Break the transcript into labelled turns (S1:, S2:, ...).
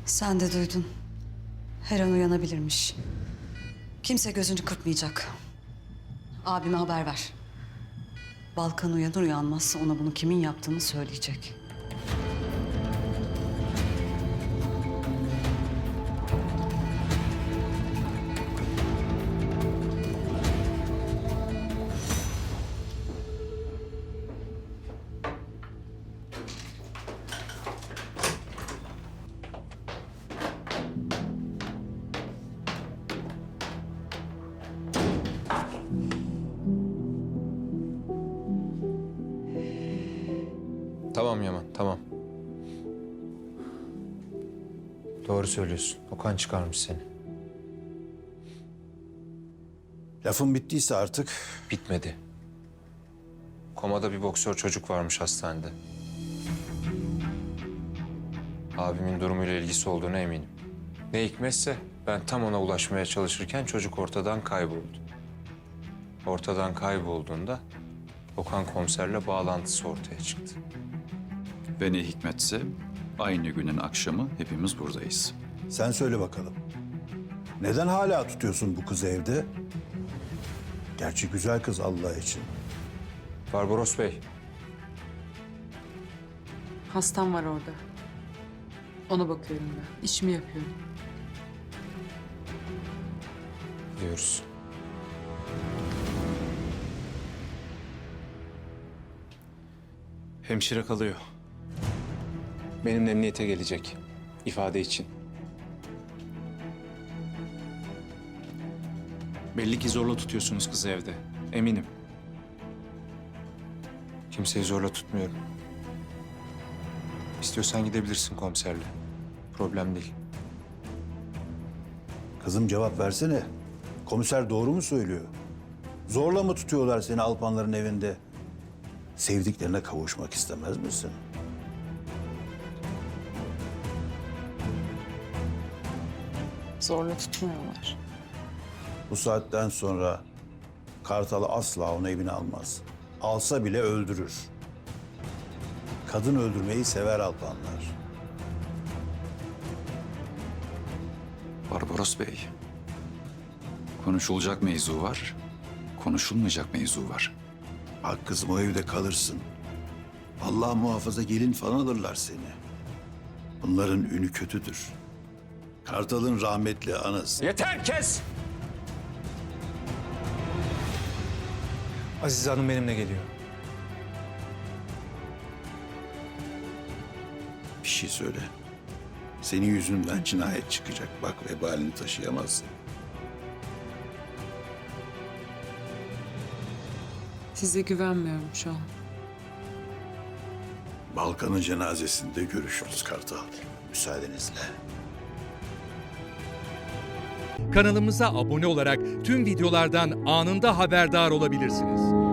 S1: Sen de duydun. Her an uyanabilirmiş. Kimse gözünü kırpmayacak. Abime haber ver. Balkan uyanır uyanmaz ona bunu kimin yaptığını söyleyecek.
S2: Tamam Yaman, tamam. Doğru söylüyorsun. Okan çıkarmış seni.
S3: Lafın bittiyse artık
S2: Bitmedi. Komada bir boksör çocuk varmış hastanede. Abimin durumuyla ilgisi olduğuna eminim. Ne hikmetse ben tam ona ulaşmaya çalışırken çocuk ortadan kayboldu. Ortadan kaybolduğunda Okan komiserle bağlantısı ortaya çıktı.
S4: Ve ne hikmetse aynı günün akşamı hepimiz buradayız.
S3: sen söyle bakalım. Neden hala tutuyorsun bu kızı evde? Gerçi güzel kız Allah için.
S2: Barbaros Bey,
S5: Hastam var orada. Ona bakıyorum ben. İşimi yapıyorum.
S2: diyoruz.
S6: Hemşire kalıyor. Benimle emniyete gelecek. İfade için. Belli ki zorla tutuyorsunuz kızı evde. Eminim.
S2: Kimseyi zorla tutmuyorum. İstiyorsan gidebilirsin komiserle. Problem değil.
S3: Kızım cevap versene. Komiser doğru mu söylüyor? Zorla mı tutuyorlar seni Alpanların evinde? Sevdiklerine kavuşmak istemez misin?
S5: Zorla tutmuyorlar.
S3: Bu saatten sonra Kartal'ı asla onu evine almaz. Alsa bile öldürür. Kadın öldürmeyi sever Alpanlar.
S4: Barbaros Bey, konuşulacak mevzu var, konuşulmayacak mevzu var.
S3: Bak kızım o evde kalırsın. Allah muhafaza gelin falan alırlar seni. Bunların ünü kötüdür. Kartal'ın rahmetli anası.
S6: Yeter, kes!
S2: Azize Hanım benimle geliyor.
S3: Bir şey söyle. Senin yüzünden cinayet çıkacak. Bak vebalini taşıyamazsın.
S5: Size güvenmiyorum şu an.
S3: Balkan'ın cenazesinde görüşürüz Kartal. Müsaadenizle.
S7: Kanalımıza abone olarak tüm videolardan anında haberdar olabilirsiniz.